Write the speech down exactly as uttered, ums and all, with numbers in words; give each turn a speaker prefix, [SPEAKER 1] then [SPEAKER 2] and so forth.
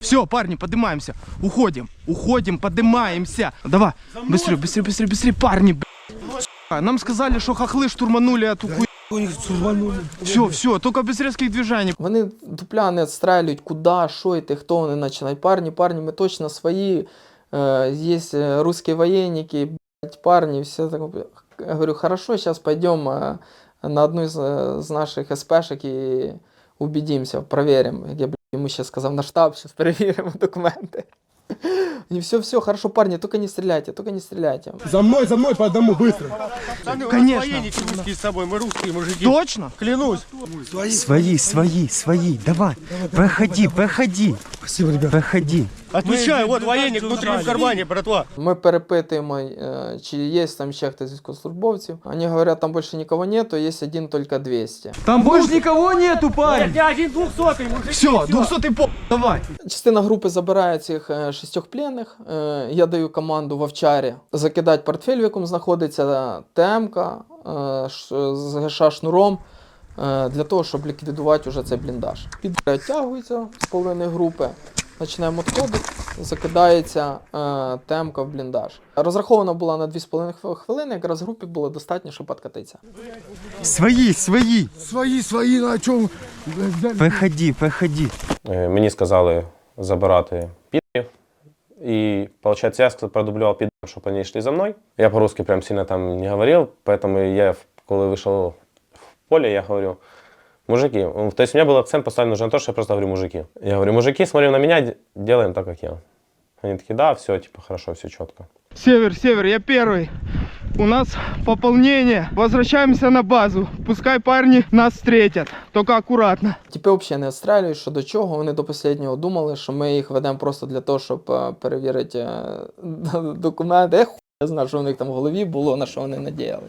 [SPEAKER 1] Все, парни, поднимаемся. Уходим, уходим, поднимаемся. Давай, быстрее, быстрее, быстрее, быстрее, парни, блядь. Нам сказали, что хохлы штурманули эту хуй. Все, все, только без резких движений.
[SPEAKER 2] Вони дупля не відстрелюють, куди, що йти, хто вони починають. Парні, парні, ми точно свої. Е, є русські воєнники, блядь, парні, все так. Я говорю, хорошо, зараз підемо на одну з, з наших СПшек і убедимося, перевіримо. Я блядь, йому ще сказав на штаб, зараз перевіримо документи. Не, все, все, хорошо, парни, только не стреляйте, только не стреляйте.
[SPEAKER 3] За мной, за мной, по одному, быстро.
[SPEAKER 1] Конечно.
[SPEAKER 3] Русские с собой, мы русские мужики.
[SPEAKER 1] Точно?
[SPEAKER 3] Клянусь.
[SPEAKER 4] Свои, свои, свои, давай, проходи, проходи.
[SPEAKER 3] Спасибо, ребят.
[SPEAKER 4] Проходи.
[SPEAKER 3] Отвечаю, вот военник внутри в кармане, братва.
[SPEAKER 2] Ми перепитуємо, е, чи є там ще хтось з військовослужбовців. Вони говорять, там більше нікого нету, є один тільки двісті.
[SPEAKER 1] Там больше никого нету, парень.
[SPEAKER 3] Я один двухсотый, мужик.
[SPEAKER 1] Все, двухсотый по... Давай.
[SPEAKER 2] Частина групи забирає цих е, шістьох пленних. Е, я даю команду в овчарі закидати портфель, в якому знаходиться ТМ-ка е, ш- з ГШ шнуром, е, для того, щоб ліквідувати вже цей бліндаж. Підри відтягуються з половиною групи, починаємо відходити, закидається е, ТМ-ка в бліндаж. Розрахована була на дві з половиною хвилини, якраз групі було достатньо, щоб підкатитися.
[SPEAKER 4] Свои, свои.
[SPEAKER 3] Свои, свои, на чем?
[SPEAKER 4] Проходи, проходи.
[SPEAKER 5] Е, Мені сказали забирати підерів. І, получается, я продублював підерів, щоб вони йшли за мною. Я по-русски прям сильно там не говорив, поэтому я, коли вийшов в поле, я говорю, мужики, то есть у меня был акцент поставлен уже на то, что я просто говорю мужики. Я говорю, мужики, смотрим на меня, делаем так, как я. Они такие, да, все, типа, хорошо, все четко.
[SPEAKER 1] Север, север, я первый. У нас пополнение. Возвращаемся на базу. Пускай парни нас встретят. Только аккуратно.
[SPEAKER 2] Типи взагалі не відстрелюють, що до чого. Вони до останнього думали, що ми їх ведемо просто для того, щоб е, перевірити е, документи. Я хуй знаю, що у них там в голові було, на що вони надіяли.